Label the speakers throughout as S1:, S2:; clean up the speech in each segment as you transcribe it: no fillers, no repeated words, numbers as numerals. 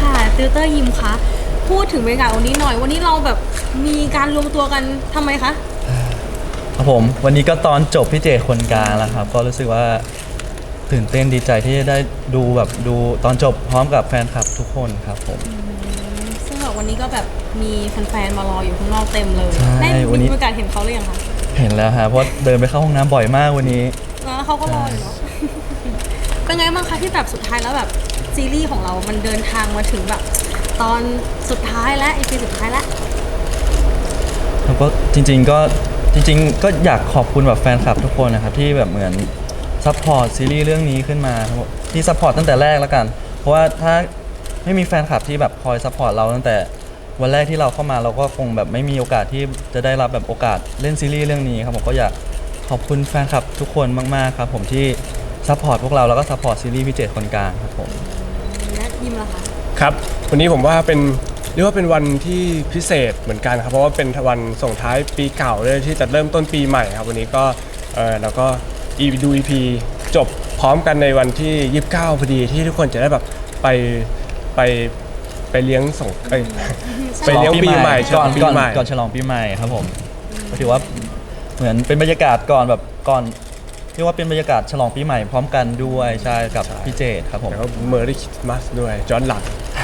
S1: ค่ะติวเตอร์ยิมคะพูดถึงบรรยากาศวันนี้หน่อยวันนี้เราแบบมีการรวมตัวกันทำไมคะ
S2: ครับผมวันนี้ก็ตอนจบพี่เจคนกลางแล้วครับก็รู้สึกว่าตื่นเต้นดีใจที่ได้ดูตอนจบพร้อมกับแฟนคลับทุกคนครับผม
S1: ซึ่งแบบวันนี้ก็แบบมีแฟนๆมารออยู่ข้างนอกเต็มเลยได้มีโอกาสเห็นเขาหรือยังคะ
S2: เห็นแล้วฮะเพราะเดินไปเข้าห้องน้ำบ่อยมากวันนี้
S1: แล้วเขาก็รออยู่เนาะเป็นไงบ้างคะที่แบบสุดท้ายแล้วแบบซีรีส์ของเรามันเดินทางมาถึงแบบตอนสุดท้ายและอีพีสุดท้ายแล้ว
S2: แล้วก็จริงๆก็อยากขอบคุณแบบแฟนคลับทุกคนนะครับที่แบบเหมือนซัพพอร์ตซีรีส์เรื่องนี้ขึ้นมาครับที่ซัพพอร์ตตั้งแต่แรกแล้วกันเพราะว่าถ้าไม่มีแฟนคลับที่แบบคอยซัพพอร์ตเราตั้งแต่วันแรกที่เราเข้ามาเราก็คงแบบไม่มีโอกาสที่จะได้รับแบบโอกาสเล่นซีรีส์เรื่องนี้ครับผมก็อยากขอบคุณแฟนคลับทุกคนมากๆครับผมที่ซัพพอร์ตพวกเราแล้วก็ซัพพอร์ตซีรีส์พี่เจตคนกลางครับผม
S1: และยิมล่ะคะ
S3: ครับวันนี้ผมว่าเรียกว่าเป็นวันที่พิเศษเหมือนกันครับเพราะว่าเป็นวันส่งท้ายปีเก่าเลยที่จะเริ่มต้นปีใหม่ครับวันนี้ก็เราก็ดู EP จบพร้อมกันในวันที่29พอดีที่ทุกคนจะได้แบบไปไปเลี้ยงไปเลี้ยงปีใหม่
S2: ก่อน
S3: ปีใหม่
S2: ก่อนฉลองปีใหม่ครับผมก็ถือว่าเหมือนเป็นบรรยากาศก่อนเรียกว่าเป็นบรรยากาศฉลองปีใหม่พร้อมกันด้วยใช่กับพี่เจตครับผม
S3: แล้วก็เมอร์รี่คริสต์มาสด้วยย้อนหลัง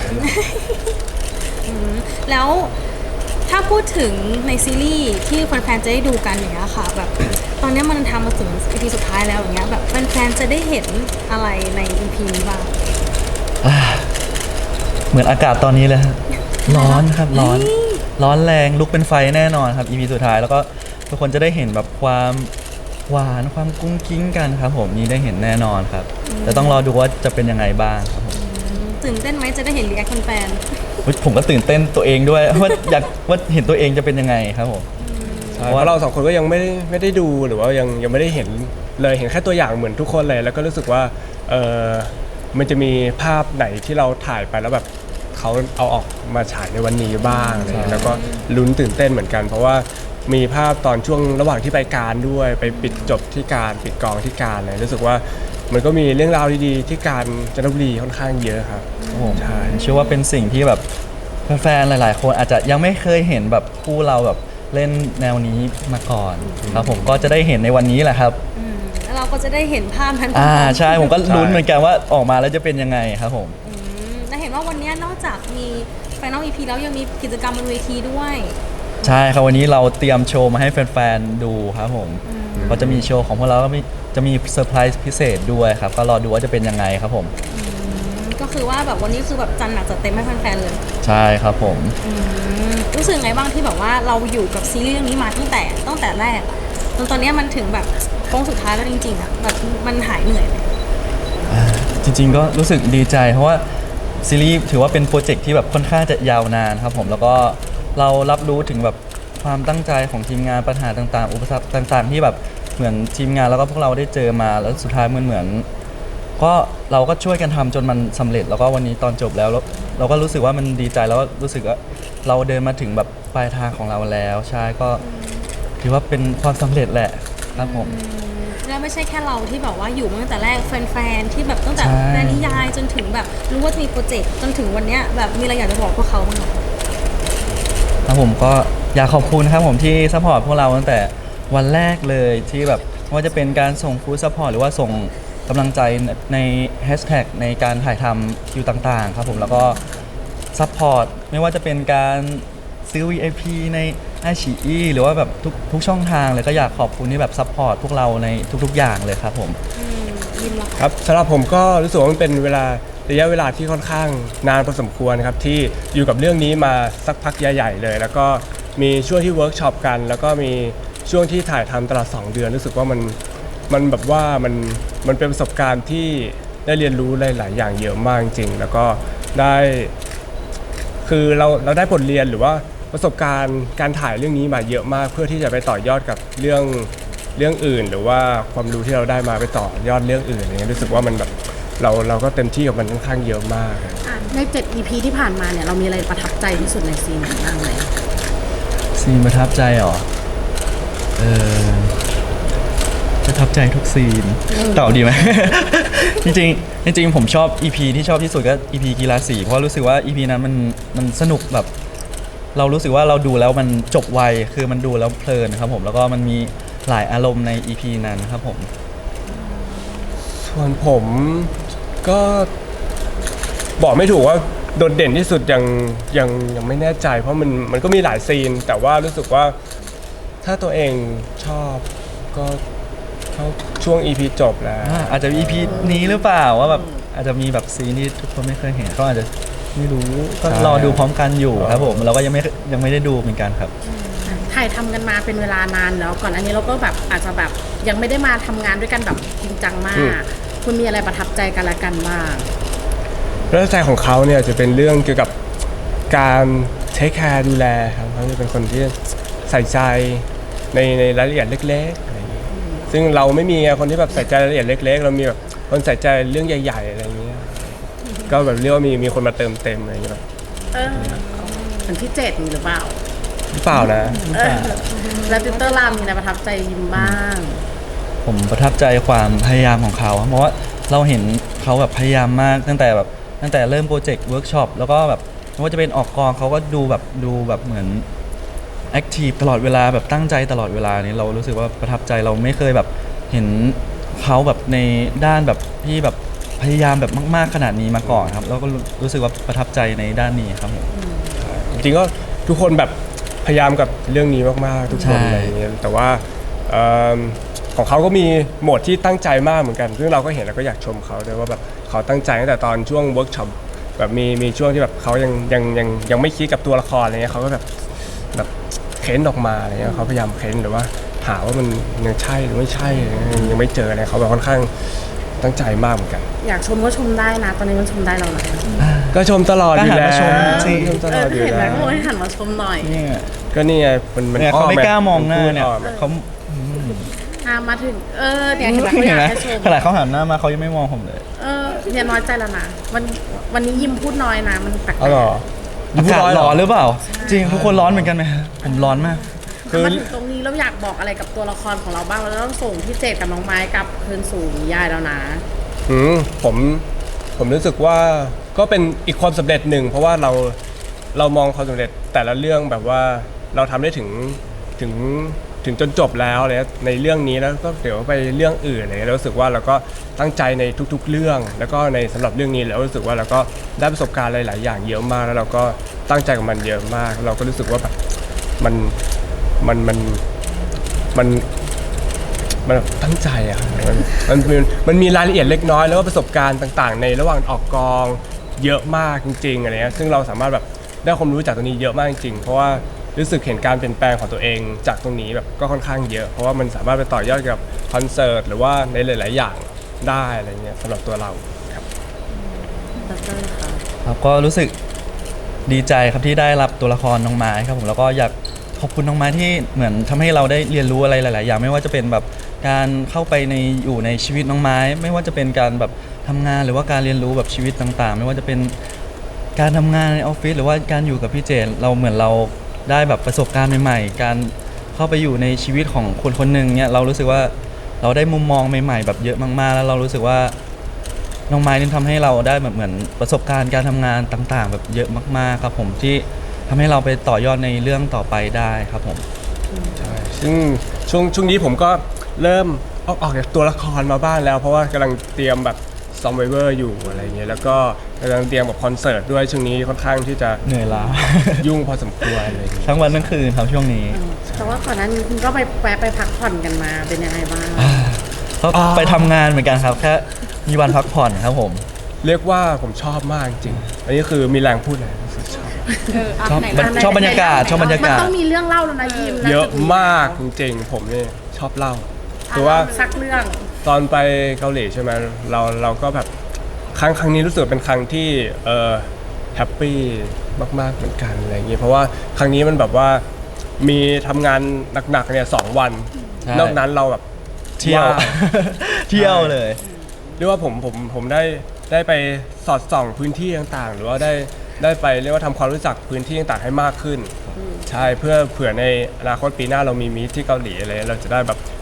S1: แล้วถ้าพูดถึงในซีรีส์ที่แฟนๆจะได้ดูกันอย่างเงี้ยค่ะแบบตอนนี้มันทำมาถึง EP สุดท้ายแล้วอย่างเงี้ยแบบแฟนๆจะได้เห็นอะไรใน EP นี้บ้าง
S2: เหมือนอากาศตอนนี้เลยฮะร้อนครับร้อนแรงลุกเป็นไฟแน่นอนครับ EP สุดท้ายแล้วก็ทุกคนจะได้เห็นแบบความหวานความกุ้งกิ้งกันครับผมนี่ได้เห็นแน่นอนครับแต่ต้องรอดูว่าจะเป็นยังไงบ้างครับผม
S1: ตื่นเต้นไหมจะได้เห็นรีแอคแฟน
S2: ผมก็ตื่นเต้นตัวเองด้วยว่าอยากว่าเห็นตัวเองจะเป็นยังไงครับผม
S3: เพราะเราสองคนก็ยังไม่ได้ดูหรือว่ายังไม่ได้เห็นเลยเห็นแค่ตัวอย่างเหมือนทุกคนเลยแล้วก็รู้สึกว่ามันจะมีภาพไหนที่เราถ่ายไปแล้วแบบเขาเอาออกมาฉายในวันนี้บ้างอะไรแล้วก็ลุ้นตื่นเต้นเหมือนกันเพราะว่ามีภาพตอนช่วงระหว่างที่ไปการด้วยไปปิดจบที่การปิดกองที่การเลยรู้สึกว่ามันก็มีเรื่องราวดีๆที่การจันทบุรีค่อนข้างเยอะครับ
S2: ใช่เชื่อว่าเป็นสิ่งที่แบบแฟนๆหลายๆคนอาจจะยังไม่เคยเห็นแบบคู่เราแบบเล่นแนวนี้มาก่อนครับผมก็จะได้เห็นในวันนี้แหละครับ
S1: แล้วเราก็จะได้เห็นภาพนั้น
S2: ใช่ผมก็ลุ้นเหมือนกันว่าออกมาแล้วจะเป็นยังไงครับผม
S1: และเห็นว่าวันนี้นอกจากมีFinal EP แล้วยังมีกิจกรรมบนเวทีด้วย
S2: ใช่ครับวันนี้เราเตรียมโชว์มาให้แฟนๆดูครับผมก็จะมีโชว์ของพวกเราก็จะมีเซอร์ไพรส์พิเศษด้วยครับก็รอดูว่าจะเป็นยังไงครับผม
S1: ก็คือว่าแบบวันนี้คือแบบจัดหนักจัดเต็มให้แฟนๆเลย
S2: ใช่ครับผม
S1: รู้สึกไงบ้างที่แบบว่าเราอยู่กับซีรีส์เรื่องนี้มาตั้งแต่แรกจนตอนนี้มันถึงแบบโค้งสุดท้ายแล้วจริงๆอ่ะแบบมันหายเหนื่อยเลย
S2: จริงๆก็รู้สึกดีใจเพราะว่าซีรีส์ถือว่าเป็นโปรเจกต์ที่แบบค่อนข้างจะยาวนานครับผมแล้วก็เรารับรู้ถึงแบบความตั้งใจของทีมงานปัญหาต่างๆอุปสรรคต่างๆที่แบบเหมือนทีมงานแล้วก็พวกเราได้เจอมาแล้วสุดท้ายเหมือนก็เราก็ช่วยกันทำจนมันสำเร็จแล้วก็วันนี้ตอนจบแล้วเราก็รู้สึกว่ามันดีใจแล้วก็รู้สึกว่าเราเดินมาถึงแบบปลายทางของเราแล้วใช่ก็ถือว่าเป็นความสำเร็จแหละครับผม
S1: แล้วไม่ใช่แค่เราที่แบบว่าอยู่มาตั้งแต่แรกแฟนๆที่แบบตั้งแต่แฟนนิยายจนถึงแบบรู้ว่าจะมีโปรเจกต์จนถึงวันเนี้ยแบบมีอะไรอยากจะบอกพวกเขาบ้างไหม
S2: ครับผมก็อยากขอบคุณครับผมที่ซัพพอร์ตพวกเราตั้งแต่วันแรกเลยที่แบบว่าจะเป็นการส่งฟู้ดซัพพอร์ตหรือว่าส่งกำลังใจในแฮชแท็กในการถ่ายทำคิวต่างๆครับผมแล้วก็ซัพพอร์ตไม่ว่าจะเป็นการซื้อ VIP ในiQIYI หรือว่าแบบทุกช่องทางเลยก็อยากขอบคุณที่แบบซัพพอร์ตพวกเราในทุกๆอย่างเลยครับผม
S3: ครับสำหรับผมก็รู้สึกว่ามันเป็นระยะเวลาที่ค่อนข้างนานพอสมควรครับที่อยู่กับเรื่องนี้มาสักพักใหญ่ๆเลยแล้วก็มีช่วงที่เวิร์กช็อปกันแล้วก็มีช่วงที่ถ่ายทำตลอด2 เดือนรู้สึกว่ามันแบบว่ามันเป็นประสบการณ์ที่ได้เรียนรู้หลายๆอย่างเยอะมากจริงแล้วก็ได้คือเราได้บทเรียนหรือว่าประสบการณ์การถ่ายเรื่องนี้มาเยอะมากเพื่อที่จะไปต่อยอดกับเรื่องอื่นหรือว่าความรู้ที่เราได้มาไปต่อยอดเรื่องอื่นอะไรเงี้ยรู้สึกว่ามันแบบเราก็เต็มที่กับมันค่อนข้างเยอะมาก
S4: ใน7 EP ที่ผ่านมาเนี่ยเรามีอะไรประทับใจที่สุดในซีนไหนบ้างไหม
S2: ซีนประทับใจเหรอประทับใจทุกซีนตอบดีไหม จริงๆจริงๆผมชอบ EP ที่ชอบที่สุดก็ EP กีฬาสีเพราะรู้สึกว่า EP นั้นมันสนุกแบบ เรารู้สึกว่าเราดูแล้วมันจบไวคือมันดูแล้วเพลินครับผมแล้วก็มันมีหลายอารมณ์ใน EP นั้นครับผม
S3: ส่วนผมก็บอกไม่ถูกว่าโดดเด่นที่สุดยังไม่แน่ใจ เพราะมันก็มีหลายซีน แต่ว่ารู้สึกว่าถ้าตัวเองชอบก็เข้าช่วง EP จบแล้ว
S2: อาจจะ EP นี้หรือเปล่าว่าแบบอาจจะมีแบบซีนที่ทุกคนไม่เคยเห็นก็อาจจะไม่รู้ก็รอดูพร้อมกันอยู่ครับผมเราก็ยังไม่ได้ดูเหมือนกันครับ
S4: ถ่ายทำกันมาเป็นเวลานานแล้วก่อนอันนี้เราก็แบบอาจจะแบบยังไม่ได้มาทำงานด้วยกันแบบจริงจังมาก คุณมีอะไรประทับใจกันละกันบ้าง
S3: เรื่องใจของเขาเนี่ยจะเป็นเรื่องเกี่ยวกับการเทคแคร์ดูแลครับเขาจะเป็นคนที่ใส่ใจในรายละเอียดเล็กๆอะไรอย่างเงี้ยซึ่งเราไม่มีคนที่แบบใส่ใจรายละเอียดเล็กๆเรามีแบบคนใส่ใจเรื่องใหญ่ๆอะไรอย่างเงี้ยก็แบบเรียกว่ามีคนมาเติมเต็มอะไรอย่างเงี้ยแบบ
S4: เหมือนที่เจ็ดมีหรือเปล่า
S3: หรือเปล่านะ
S4: แล้วติวเตอร์รามมีอะไรประทับใจยิมบ้าง
S2: ผมประทับใจความพยายามของเขาเพราะว่าเราเห็นเขาแบบพยายามมากตั้งแต่เริ่มโปรเจกต์เวิร์กช็อปแล้วก็แบบไม่ว่าจะเป็นออกกองเขาก็ดูแบบเหมือนแอคทีฟตลอดเวลาแบบตั้งใจตลอดเวลานี้เรารู้สึกว่าประทับใจเราไม่เคยแบบเห็นเขาแบบในด้านแบบที่แบบพยายามแบบมากๆขนาดนี้มาก่อนครับแล้วก็รู้สึกว่าประทับใจในด้านนี้ครับผม
S3: จริงๆก็ทุกคนแบบพยายามกับเรื่องนี้มากๆทุกคน
S2: ใช่
S3: อะไรอย่างเงี้ยแต่ว่าของเขาก็มีโหมดที่ตั้งใจมากเหมือนกันซึ่งเราก็เห็นแล้วก็อยากชมเขาด้วยว่าแบบเขาตั้งใจตั้งแต่ตอนช่วงเวิร์กช็อปแบบมีช่วงที่แบบเขายังไม่คิดกับตัวละครอะไรเงี้ยเขาก็แบบเค้นออกมาอะไรเงี้ยเขาพยายามเค้นหรือว่าหาว่ามันยังใช่หรือไม่ใช่ยังไม่เจออะไรเขาแบบค่อนข้างตั้งใจมากเหมือนกัน
S4: อยากชมก็ชมได้นะ ตอนนี้มันชมได้แล้วนะ
S3: ก็ชมตลอดอยู่แล้ว
S2: ก็หันมาชมสิ
S3: ชมตลอดอยู่
S4: เห็นไหม
S3: แล้ว
S4: โอ้ยหันมาชมหน่อย
S2: เนี่ย
S3: ก็นี่ไงมัน
S2: เนี่ยเขาไม่กล้ามองหน้าเนี่ย
S3: พูดออก
S2: เขา
S4: มาถึงเนี่ยเห็นไหมเขาอยากให้ชม
S2: ขนาดเขาหันหน้ามาเขายังไม่มองผมเลย
S4: เนี่ยน้อยใจแล้วนะวันนี้ยิมพูดน้อยนะมันแปลก
S3: อ๋อเหรอ
S2: อากาศร้อนหรือเปล่า จริงทุกคนร้อนเหมือนกันไหมผมร้อนมาก
S4: ๆมาถึงตรงนี้เราอยากบอกอะไรกับตัวละครของเราบ้างเราต้องส่งพี่เจดกับน้องไม้กลับคืนสู่นิยายแล้วนะ
S3: ผมรู้สึกว่าก็เป็นอีกความสำเร็จหนึ่งเพราะว่าเรามองความสำเร็จแต่ละเรื่องแบบว่าเราทำได้ถึงจนจบแล้วเลยในเรื่องนี้แล้วก็เดี๋ยวไปเรื่องอื่นเลยเรารู้สึกว่าเราก็ตั้งใจในทุกๆเรื่อง แล้วก็ในสำหรับเรื่องนี้แล้วรู้สึกว่าเราก็ได้ประสบการณ์หลายๆอย่างเยอะมากแล้วเราก็ตั้งใจกับมันเยอะมาก เราก็รู้สึกว่าแบบมันแบบตั้งใจอะมันมีรายละเอียดเล็กน้อยแล้วก็ประสบการณ์ต่างๆ ในระหว่างออกกองเยอะมากจริงๆอะไรเงี้ยซึ่งเราสามารถแบบได้ความรู้จากตรงนี้เยอะมากจริงๆเพราะว่ารู้สึกเห็นการเปลี่ยนแปลงของตัวเองจากตรงนี้แบบก็ค่อนข้างเยอะเพราะว่ามันสามารถไปต่อยอดกับคอนเสิร์ตหรือว่าในหลายๆอย่างได้อะไรเงี้ยสำหรับตัวเราครับ
S2: ครับก็รู้สึกดีใจครับที่ได้รับตัวละครน้องไม้ครับผมแล้วก็อยากขอบคุณน้องไม้ที่เหมือนทำให้เราได้เรียนรู้อะไรหลาย ๆ อย่างไม่ว่าจะเป็นแบบการเข้าไปอยู่ในชีวิตน้องไม้ ไม่ว่าจะเป็นการแบบทำงานหรือว่าการเรียนรู้แบบชีวิตต่าง ๆ ไม่ว่าจะเป็นการทำงานในออฟฟิศหรือว่าการอยู่กับพี่เจนเราเหมือนเราได้แบบประสบการณ์ใหม่ ๆ การเข้าไปอยู่ในชีวิตของคนคนหนึ่งเนี่ยเรารู้สึกว่าเราได้มุมมองใหม่ ๆ แบบเยอะมาก ๆ แล้วเรารู้สึกว่า น้องไม้นี่ทำให้เราได้แบบเหมือนประสบการณ์การทำงานต่างๆ แบบเยอะมากๆครับผมที่ทำให้เราไปต่อยอดในเรื่องต่อไปได้ครับผม
S3: ใช่ซึ่งช่วงนี้ผมก็เริ่มออกจากตัวละครมาบ้างแล้ว เพราะว่ากำลังเตรียมแบบซอมไวเวอร์อยู่อะไรเงี้ยแล้วก็กำลังเตรียมกับคอนเสิร์ตด้วยช่วงนี้ค่อนข้างที่จะ
S2: เหนื่อยล้า
S3: ยุ่งพอสมควรอะไรเงี้ย
S2: ทั้งวันทั้งคืนครับช่วงนี้
S4: แต่ว่าก่อนหน้านี้คุณก็ไปแวะไปพักผ่อนกันมาเป็นยังไงบ้าง
S2: ก็ไปทำงานเหมือนกันครับแค่มีวันพักผ่อนครับผม
S3: เรียกว่าผมชอบมากจริงอันนี้คือมีแรงพูดเลยรู้สึกชอบ
S2: ชอบบรรยากาศชอบบรรยา
S4: มัน
S2: กาศ
S4: ต้องมีเรื่องเล่าแล้วนะยิมน
S3: เยอะมากจริงๆผมนี่ชอบเล่าคือว่า
S4: สักเรื่อง
S3: ตอนไปเกาหลีใช่ไหมเราก็แบบครั้งนี้รู้สึกเป็นครั้งที่แฮปปี้มากๆเหมือนกันอะไรอย่างเงี้ยเพราะว่าครั้งนี้มันแบบว่ามีทำงานหนักๆเนี่ย2 วัน
S2: ใช่
S3: นอกนั้นเราแบบ
S2: เที่ยว
S3: ว่าง
S2: เที่ยวเลย
S3: เรียกว่าผมได้ไปสอดส่องพื้นที่ต่างๆ หรือว่าได้ไปเรียกว่าทำความรู้จักพื้นที่ต่างๆให้มากขึ้นใช่เพื่อเผื่อในอนาคตปีหน้าเรามีมีตที่เกาหลีอะไรเราจะได้แบบ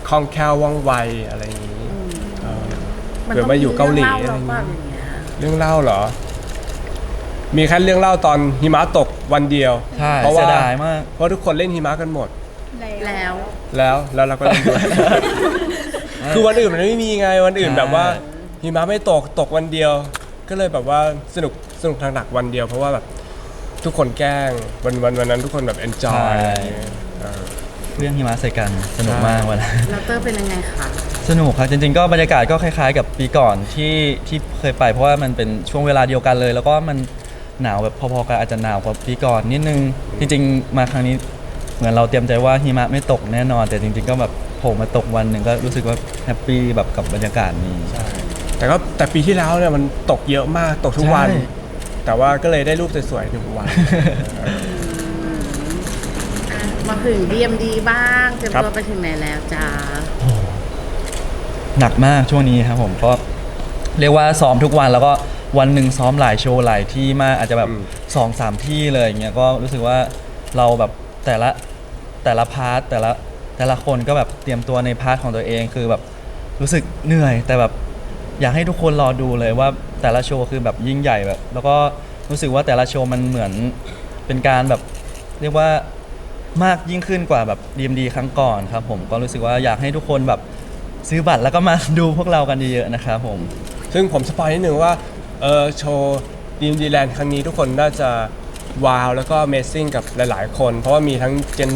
S3: คล่องแคล่วว่องไวอะไรอย่างนี้
S4: มัน
S3: เผื่อ
S4: ต้อง
S3: มาอยู่เกาหลี
S4: เรื่
S3: อะ
S4: อง
S3: ไร
S4: เล่า
S3: อย่าง
S4: หรือ
S3: นี้
S4: เปล่าอย่างเงี้ย
S3: เรื่องเล่าเหรอ มีแค่เรื่องเล่าตอนหิมะตกวันเดียว
S2: ใช่
S3: เพราะ
S2: เสี
S3: ว่าย
S2: ดายมาก
S3: เพราะทุกคนเล่นหิมะกันหมด
S4: แล้ว
S3: แล้วเราก็เล่นด้วย คือวันอื่นมันไม่มีไงวันอื่น
S2: ใช่
S3: แบบว่าหิมะไม่ตกวันเดียว ก็เลยแบบว่าสนุกทางหนักวันเดียว เพราะว่าแบบทุกคนแกล้งวันนั้นทุกคนแบบ enjoy อะไรอย่างเงี้ย
S2: เรื่องหิมะใส่กันสนุกมากวันนั้น
S4: แล้วเตอร์เป็นยังไงคะ
S2: สนุกครับจริงๆก็บรรยากาศก็คล้ายๆ กับปีก่อนที่เคยไป เพราะว่ามันเป็นช่วงเวลาเดียวกันเลย แล้วก็มันหนาวแบบพอๆกันอาจจะหนาวกว่าปีก่อนนิดนึงจริงๆมาครั้งนี้เหมือนเราเตรียมใจว่าหิมะไม่ตกแน่นอน แต่จริงๆก็แบบโผล่มาตกวันหนึ่งก็รู้สึกว่าแฮปปี้แบบกับบรรยากาศนี้
S3: แต่ปีที่แล้วเนี่ยมันตกเยอะมากตกทุกวัน
S2: ใช่
S3: แต่ว่าก็เลยได้รูปสวยๆทุกวัน
S4: มาถึง DMD บ้างเตรียม
S3: ครับ
S4: ตัวไปถึงไหนแล้วจ้า
S2: หนักมากช่วงนี้ครับผมก็เรียกว่าซ้อมทุกวันแล้วก็วันหนึ่งซ้อมหลายโชว์หลายที่มากอาจจะแบบ2-3 ที่เลยอย่างเงี้ยก็รู้สึกว่าเราแบบแต่ละพาร์ทแต่ละคนก็แบบเตรียมตัวในพาร์ทของตัวเองคือแบบรู้สึกเหนื่อย แต่แบบอยากให้ทุกคนรอดูเลยว่าแต่ละโชว์คือแบบยิ่งใหญ่แบบแล้วก็รู้สึกว่าแต่ละโชว์มันเหมือนเป็นการแบบเรียกว่ามากยิ่งขึ้นกว่าแบบ DMD ครั้งก่อนครับผมก็รู้สึกว่าอยากให้ทุกคนแบบซื้อบัตรแล้วก็มาดูพวกเรากันเยอะๆนะครับผม
S3: ซึ่งผมสปอยนิดนึงว่าโชว์ดีมดีแลนด์ครั้งนี้ทุกคนน่าจะว้าวแล้วก็ Amazing กับหลายๆคน เพราะว่ามีทั้ง Gen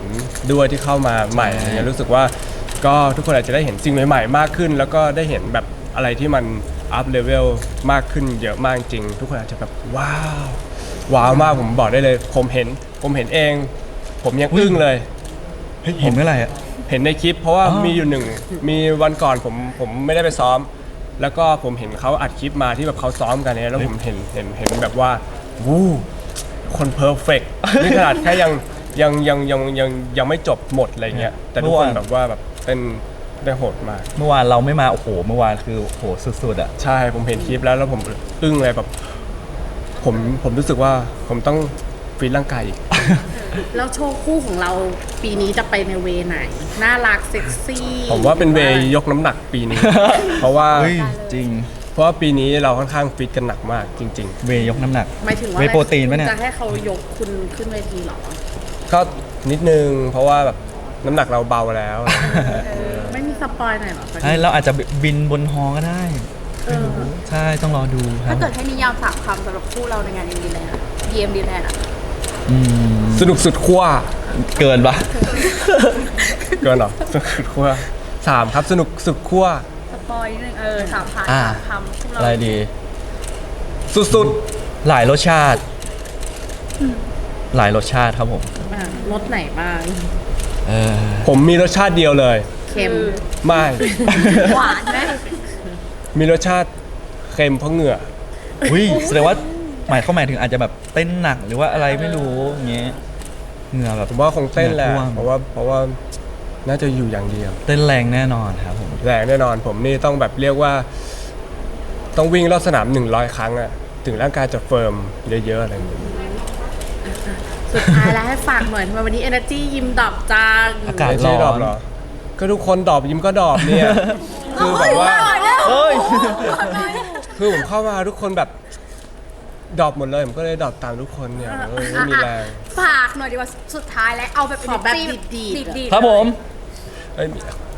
S3: 3 ด้วยที่เข้ามาใหม่อะไรเงี้ยรู้สึกว่าก็ทุกคนอาจจะได้เห็นสิ่งใหม่ๆมากขึ้น แล้วก็ได้เห็นแบบอะไรที่มันอัพเลเวลมากขึ้นเยอะมากจริง ทุกคนอาจจะแบบว้าวมากผมบอกได้เลย ผมเห็นเอง ผมยังอึ้งเลย
S2: เห็นเมื่อไหร่อะ
S3: เห็นในคลิปเพราะว่า
S2: อ๋อ
S3: มีอยู่มีวันก่อนผมไม่ได้ไปซ้อม แล้วก็ผมเห็นเขาอัดคลิปมาที่แบบเขาซ้อมกันเนี่ยแล้วผมเห็นแบบว่าวู้คนเพอร์เฟกต์นี่ขนาดแค่ยังไม่จบหมดอะไรเงี้ยแต่ทุกคนแบบว่าแบบเป็นได้โหดมาก
S2: เมื่อวานเราไม่มาโอ้โหเมื่อวานคือโอ้โหสุดๆอะ
S3: ใช่ผมเห็นคลิปแล้วผมอึ้งเลยแบบผมรู้สึกว่าผมต้องฟีดร่างกายอีก
S4: แล้วโชว์คู่ของเราปีนี้จะไปในเวไหน น่ารักเซ็กซี่
S3: ผมว่าเป็นเวย์ยกน้ำหนักปีนี้ เพราะว่า
S2: เฮ้ยจริง
S3: เพราะว่าปีนี้เราค่อนข้างฟิตกันหนักมากจริง
S2: เวยยกน้ำหนัก
S4: หมายถึงว่า
S2: เวย์โปรตีนปะเนี่ย
S4: จะให้เขายกคุณขึ้นเวทีเหรอ
S3: ๆ ก็นิดนึงเพราะว่าแบบน้ำหนักเราเบาแล้ว
S4: ไม่มีสปอยหน่อยเหรอ
S2: ใช่เราอาจจะบินบนฮอก็ได้ ใช่ต้องรอดูครั
S5: ถ้า
S2: บ
S5: เกิดให้นิยาม3 คำสำหรับคู่เราในงาน DMD Land DMD Land อะ
S2: อืม
S3: สนุกสุดขั้ว
S2: เกินปะ
S3: เกินเหรอสนุกสุดขั้ว3ครับสนุกสุดขั้ว
S5: สปอยนิดนึง3 ผ่าน
S2: อ่า
S5: 3 คำคู่เรา
S2: อะไรดี
S3: สุด
S2: หลายรสชาติ หลายรสชาติครับผม
S4: อ่ะรสไหนบ้าง
S2: เออ
S3: ๆผมมีรสชาติเดียวเลย
S4: เค็ม
S3: ไม่
S5: หวานไหม
S3: มีรสชาติเค็มเพราะเหงื่อ
S2: อุ้ยแสดงว่าหมายถึงอาจจะแบบเต้นหนักหรือว่าอะไรไม่รู้อย่างเงี้ยเหงื่อแบบ
S3: ผมว่าคงเต้นแหละ
S2: เหงื่อท่วม
S3: เพราะว่าน่าจะอยู่อย่างเดียว
S2: เต้นแรงแน่นอนครับผม
S3: แรงแน่นอนผมนี่ต้องแบบเรียกว่า ต้องวิ่งรอบสนาม100 ครั้งอะถึงร่างกายจะเฟิร์มเยอะๆอะไรอย่างเงี้ย
S4: สุดท้ายแล้วให้ฝากหน่อยทำไมวันนี้ Energy ยิ้มดอบจัง
S2: อากาศ
S3: ไม่ใช่ดอบเหรอ ก็ทุกคนดอบยิ้มก็ดอบเนี่ย คือแบบว่า
S2: เฮ้ย
S3: คือผมเข้ามาทุกคนแบบดอบหมดเลย ผมก็เลยดอบตามทุกคนเนี่ยไม่มีแรง
S5: ฝากหน่อยดีกว่าสุดท้ายแล้วเอาแบบ
S4: ขอแบบ
S5: energy
S4: ดีด
S2: ครับผม
S3: เอ้ย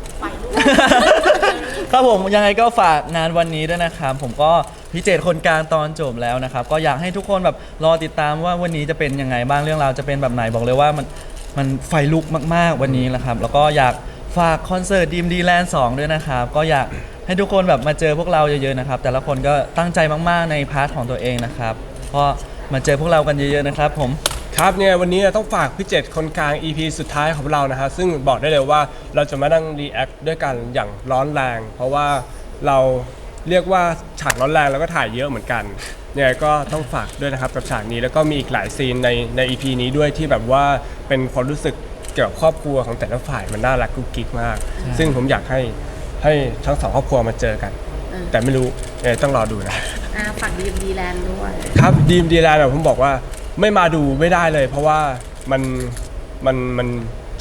S2: ครับผมยังไงก็ฝากงานวันนี้ด้วยนะครับผมก็พิเศษคนกลางตอนจบแล้วนะครับก็อยากให้ทุกคนแบบรอติดตามว่าวันนี้จะเป็นยังไงบ้างเรื่องราวจะเป็นแบบไหนบอกเลยว่ามันไฟลุกมากๆวันนี้แหละครับแล้วก็อยากฝากคอนเสิร์ต DMD Land 2 ด้วยนะครับก็อยากให้ทุกคนแบบมาเจอพวกเราเยอะๆนะครับแต่ละคนก็ตั้งใจมากๆในพาร์ทของตัวเองนะครับก็มาเจอพวกเรากันเยอะๆนะครับผม
S3: ครับเนี่ยวันนี้ต้องฝากพี่เจตคนกลาง EP สุดท้ายของเรานะฮะซึ่งบอกได้เลยว่าเราจะมานั่งรีแอคด้วยกันอย่างร้อนแรง เพราะว่าเราเรียกว่าฉากร้อนแรงแล้วก็ถ่ายเยอะเหมือนกันเนี่ยก็ต้องฝากด้วยนะครับกับฉากนี้แล้วก็มีอีกหลายซีนใน EP นี้ด้วยที่แบบว่าเป็นความรู้สึกเกี่ยวกับครอบครัวของแต่ละฝ่ายมันน่ารักกุ๊กกิ๊กมาก ซึ่งผมอยากให้ทั้งสองครอบครัวมาเจอกัน แต่ไม่รู้ต้องรอดูนะ
S4: ฝาก DMD Land ด้วย
S3: ครับดีมดีแลนด์ผมบอกว่าไม่มาดูไม่ได้เลย เพราะว่ามันโช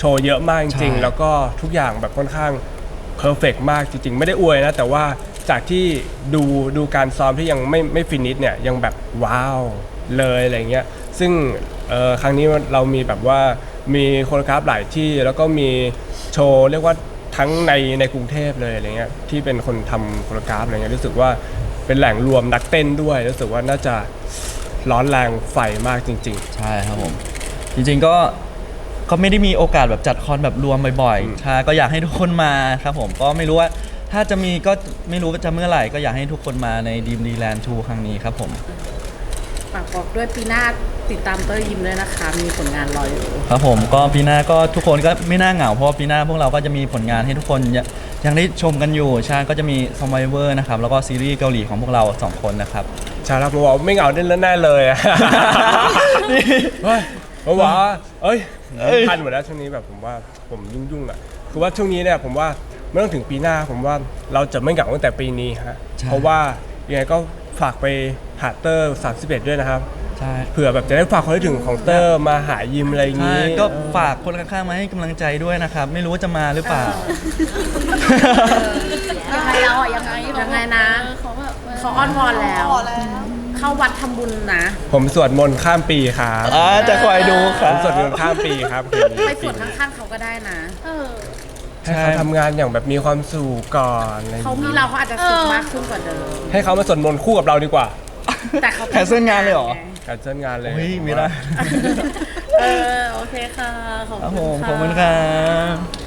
S3: ชว์เยอะมากจ
S2: ใช่
S3: ริงๆแล้วก็ทุกอย่างแบบค่อนข้างเพอร์เฟกมากจริงๆ ไม่ได้อวยนะ แต่ว่าจากที่ดูการซ้อมที่ยังไม่ฟินิชเนี่ยยังแบบว้าวเลยอะไรเงี้ยซึ่งครั้งนี้เรามีแบบว่ามีโคโรกราฟหลายที่แล้วก็มีโชว์เรียกว่าทั้งในกรุงเทพเลยอะไรเงี้ยที่เป็นคนทำโคโรกราฟอะไรเงี้ยรู้สึกว่าเป็นแหล่งรวมนักเต้นด้วยรู้สึกว่าน่าจะร้อนแรงไฟมากจริง
S2: ใช่ครับผมจริงๆก็ไม่ได้มีโอกาสแบบจัดคอนแบบรวมบ่อยๆใช่ก็อยากให้ทุกคนมาครับผมก็ไม่รู้ว่าถ้าจะมีก็ไม่รู้ว่าจะเมื่อไหร่ก็อยากให้ทุกคนมาในดีมดีแลนด์2ครั้งนี้ครับผม
S4: ฝากบอกด้วยปีหน้าติดตามเตอร์ยิมด้วยนะคะ มีผลงานรออยู่
S2: ครับผมก็ปีหน้าก็ทุกคนก็ไม่น่าเหงาเพราะว่าปีหน้าพวกเราก็จะมีผลงานให้ทุกคนยังได้ชมกันอยู่ใช่ก็จะมี Survivor นะครับแล้วก็ซีรีส์เกาหลีของพวกเรา2คนนะครับ
S3: ๆ ใช่ครับผมบอกไม่เหงาแน่ๆเลยอะ เฮ้ยผมบอกว่าเอ้ยทันหมดแล้วช่วงนี้แบบผมว่าผมยุ่งๆอ่ะคือว่าช่วงนี้เนี่ยผมว่าไม่ต้องถึงปีหน้าผมว่าเราจะไม่เหงาตั้งแต่ปีนี้ฮะ
S2: ใช่
S3: เพราะว่ายังไงก็ฝากไปหาเตอร์31ด้วยนะครับ
S2: ใช่
S3: เผื่อแบบจะได้ฝากคนที่ถึงของเตอร์มาหายิมอะไรอย่าง
S2: ใช่
S3: นี้
S2: ก็ฝากคนข้างๆมาให้กำลังใจด้วยนะครับไม่รู้ว่าจะมาหรือเปล่า
S4: ยังไงเราอ่ะยังไงนะเขาอ้อนวอนแล้ว เข้าวัดทำบุญนะ
S3: ผมสวดมนต์ข้ามปีครับ
S2: จะคอยดูค
S3: ผ
S2: รับ
S3: มสวดมนต์ข้ามปีครับคืนนี้
S4: ไปสวดข้างๆเขาก็ได้นะ
S3: ให้เขาทำงานอย่างแบบมีความสุขก่อนอะไรอย่าง
S4: เขา
S3: นี้
S4: มีเราเขาอาจจะสุขมากขึ้นกว่าเดิม
S3: ให้เขามาสวดมนต์คู่กับเราดีกว่า
S4: แต่เขา
S2: แคนเซิลงานเลยเหรอ
S3: การเชิญงานเลย
S2: เฮ้ยไม่ได้
S4: โอเคค่ะ ขอบ
S2: ครับ
S4: คุ
S2: ผ
S4: ณ
S2: ม
S4: ค่ะ
S2: ขอบคุณครับ